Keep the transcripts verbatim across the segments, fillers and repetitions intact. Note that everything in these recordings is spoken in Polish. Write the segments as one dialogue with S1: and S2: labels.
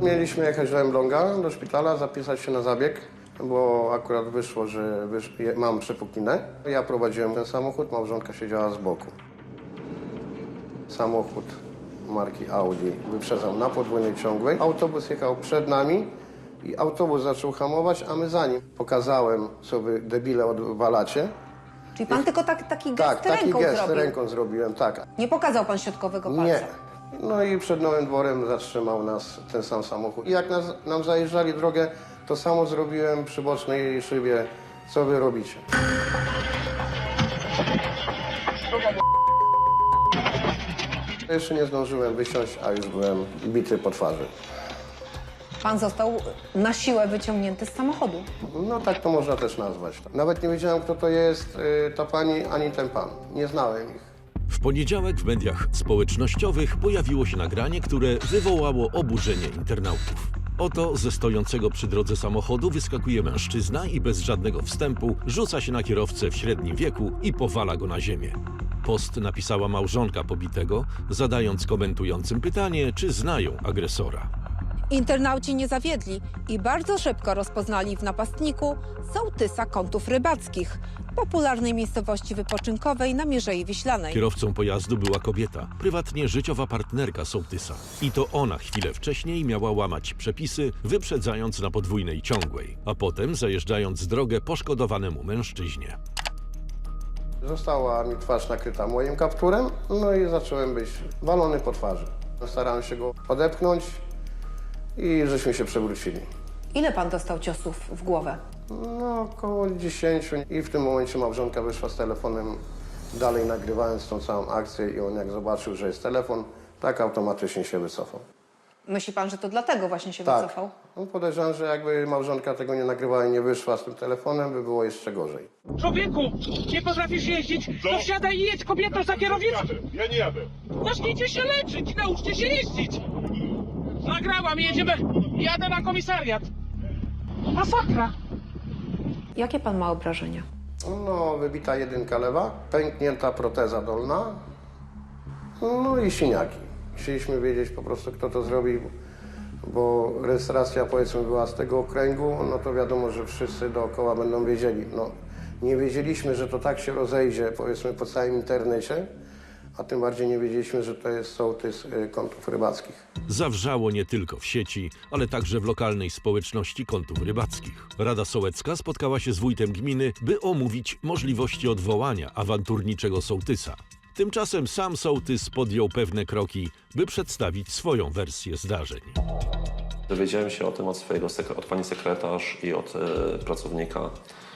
S1: Mieliśmy jechać do Elbląga, do szpitala, zapisać się na zabieg, bo akurat wyszło, że wysz... mam przepuklinę. Ja prowadziłem ten samochód, małżonka siedziała z boku. Samochód marki Audi wyprzedzał na podwójnej ciągłej. Autobus jechał przed nami i autobus zaczął hamować, a my za nim. Pokazałem, co wy debile odwalacie.
S2: Czyli pan tylko tak, taki gest
S1: Tak, taki
S2: ręką
S1: gest
S2: zrobił?
S1: ręką zrobiłem, tak.
S2: Nie pokazał pan środkowego palca?
S1: Nie. No i przed Nowym Dworem zatrzymał nas ten sam samochód. I jak nas, nam zajeżdżali drogę, to samo zrobiłem przy bocznej szybie. Co wy robicie? Jeszcze nie zdążyłem wysiąść, a już byłem bity po twarzy.
S2: Pan został na siłę wyciągnięty z samochodu.
S1: No tak to można też nazwać. Nawet nie wiedziałem, kto to jest y, ta pani, ani ten pan. Nie znałem ich.
S3: W poniedziałek w mediach społecznościowych pojawiło się nagranie, które wywołało oburzenie internautów. Oto ze stojącego przy drodze samochodu wyskakuje mężczyzna i bez żadnego wstępu rzuca się na kierowcę w średnim wieku i powala go na ziemię. Post napisała małżonka pobitego, zadając komentującym pytanie, czy znają agresora.
S2: Internauci nie zawiedli i bardzo szybko rozpoznali w napastniku sołtysa Kątów Rybackich, popularnej miejscowości wypoczynkowej na Mierzei Wiślanej.
S3: Kierowcą pojazdu była kobieta, prywatnie życiowa partnerka sołtysa. I to ona chwilę wcześniej miała łamać przepisy, wyprzedzając na podwójnej ciągłej, a potem zajeżdżając drogę poszkodowanemu mężczyźnie.
S1: Została mi twarz nakryta moim kapturem, no i zacząłem być walony po twarzy. Starałem się go odepchnąć i żeśmy się przewrócili.
S2: Ile pan dostał ciosów w głowę?
S1: No, około dziesięciu. I w tym momencie małżonka wyszła z telefonem, dalej nagrywając tą całą akcję i on jak zobaczył, że jest telefon, tak automatycznie się wycofał.
S2: Myśli pan, że to dlatego właśnie się
S1: Tak.
S2: wycofał?
S1: No, podejrzewam, że jakby małżonka tego nie nagrywała i nie wyszła z tym telefonem, by było jeszcze gorzej.
S4: Człowieku, nie potrafisz jeździć, to wsiadaj i jedź kobieto za kierownicą.
S5: Ja nie jadę.
S4: Zacznijcie się leczyć, nauczcie się jeździć. Nagrałam, jedziemy, jadę na komisariat. Masakra.
S2: Jakie pan ma obrażenia?
S1: No, wybita jedynka lewa, pęknięta proteza dolna, no i siniaki. Chcieliśmy wiedzieć po prostu, kto to zrobił, bo rejestracja, powiedzmy, była z tego okręgu, no to wiadomo, że wszyscy dookoła będą wiedzieli. No, nie wiedzieliśmy, że to tak się rozejdzie, powiedzmy, po całym internecie, a tym bardziej nie wiedzieliśmy, że to jest sołtys y, Kątów Rybackich.
S3: Zawrzało nie tylko w sieci, ale także w lokalnej społeczności Kątów Rybackich. Rada Sołecka spotkała się z wójtem gminy, by omówić możliwości odwołania awanturniczego sołtysa. Tymczasem sam sołtys podjął pewne kroki, by przedstawić swoją wersję zdarzeń.
S6: Dowiedziałem się o tym od, swojego, od pani sekretarz i od e, pracownika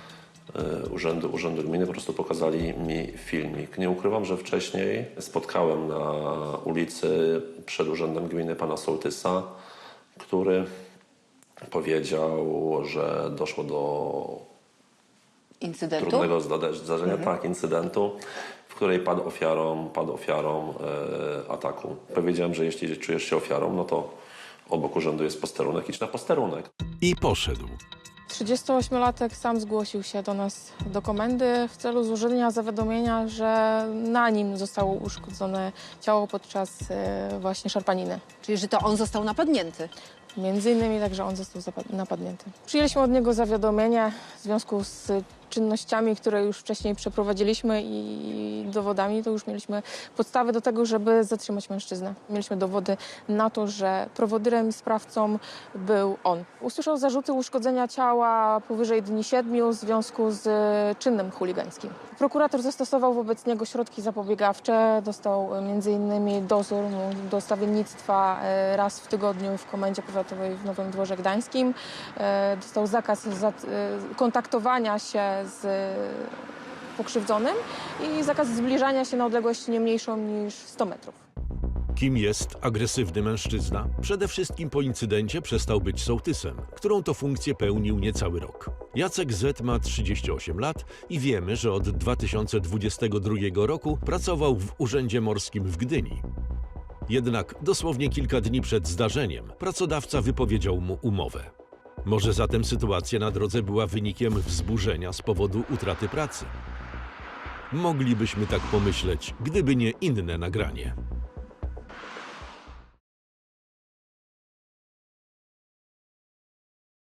S6: e, urzędu, urzędu gminy. Po prostu pokazali mi filmik. Nie ukrywam, że wcześniej spotkałem na ulicy przed urzędem gminy pana sołtysa, który powiedział, że doszło do
S2: Incydentu?
S6: trudnego zdarzenia, mhm. tak, incydentu, w której padł ofiarą, padł ofiarą e, ataku. Powiedziałem, że jeśli czujesz się ofiarą, no to obok urzędu jest posterunek, idź na posterunek.
S3: I poszedł.
S7: trzydziestoośmiolatek sam zgłosił się do nas do komendy w celu złożenia zawiadomienia, że na nim zostało uszkodzone ciało podczas e, właśnie szarpaniny.
S2: Czyli, że to on został napadnięty?
S7: Między innymi także on został napadnięty. Przyjęliśmy od niego zawiadomienie w związku z czynnościami, które już wcześniej przeprowadziliśmy i dowodami, to już mieliśmy podstawy do tego, żeby zatrzymać mężczyznę. Mieliśmy dowody na to, że prowodyrem i sprawcą był on. Usłyszał zarzuty uszkodzenia ciała powyżej dni siedmiu w związku z czynnym chuligańskim. Prokurator zastosował wobec niego środki zapobiegawcze, dostał między innymi dozór do stawiennictwa raz w tygodniu w Komendzie Powiatowej w Nowym Dworze Gdańskim. Dostał zakaz kontaktowania się z pokrzywdzonym i zakaz zbliżania się na odległość nie mniejszą niż sto metrów.
S3: Kim jest agresywny mężczyzna? Przede wszystkim po incydencie przestał być sołtysem, którą to funkcję pełnił niecały rok. Jacek Z. ma trzydzieści osiem lat i wiemy, że od dwa tysiące dwudziestego drugiego roku pracował w Urzędzie Morskim w Gdyni. Jednak dosłownie kilka dni przed zdarzeniem pracodawca wypowiedział mu umowę. Może zatem sytuacja na drodze była wynikiem wzburzenia z powodu utraty pracy? Moglibyśmy tak pomyśleć, gdyby nie inne nagranie.